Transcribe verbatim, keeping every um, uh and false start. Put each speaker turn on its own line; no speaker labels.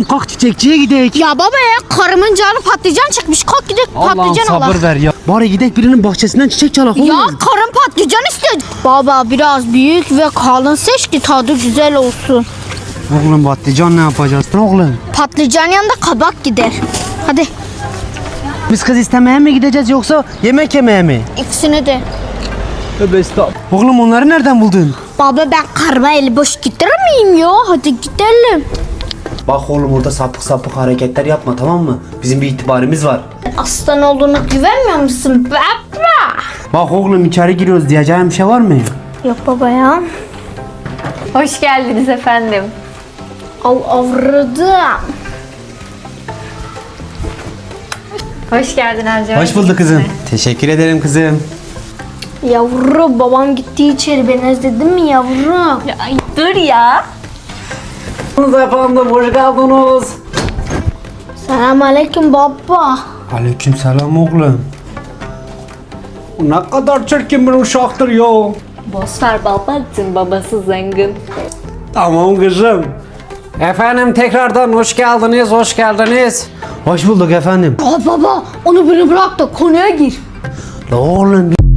kalk çiçekçiye gidelim.
Ya baba ya, karımın canı patlıcan çıkmış. Kalk gidelim
Allah'ım
patlıcan
sabır
alak.
ver ya. Bari gidelim birinin bahçesinden çiçek çalak oğlum.
Ya karım patlıcan istiyor. Baba biraz büyük ve kalın seç ki tadı güzel olsun.
Oğlum patlıcan ne yapacağız oğlum?
Patlıcan yanında kabak gider. Hadi
Biz kız istemeye mi gideceğiz yoksa yemek yemeye mi?
ikisini de.
Tövbe estağfurullah. Oğlum onları nereden buldun?
Baba ben karıma eli boş getirir miyim ya? Hadi gidelim.
Bak oğlum orada sapık sapık hareketler yapma tamam mı? Bizim bir itibarımız var.
Aslan olduğunu güvenmiyor musun baba?
Bak oğlum içeri giriyoruz diyeceğim bir şey var mı?
Yok baba ya.
Hoş geldiniz efendim.
Al avradım.
Hoş geldin Ercan.
Hoş bulduk kızım. Teşekkür ederim kızım.
Yavru babam gitti içeri, ben özledim mi yavrum?
Ya, ay, dur ya.
Efendim hoş geldiniz.
Selam aleyküm baba.
Aleyküm selam oğlum. Ne kadar çirkin bir uşaktır ya.
Boş ver babacığım, babası zengin.
Tamam kızım. Efendim tekrardan hoş geldiniz, hoş geldiniz. Hoş bulduk efendim.
Aa baba, onu beni bırak da konuya gir.
La oğlum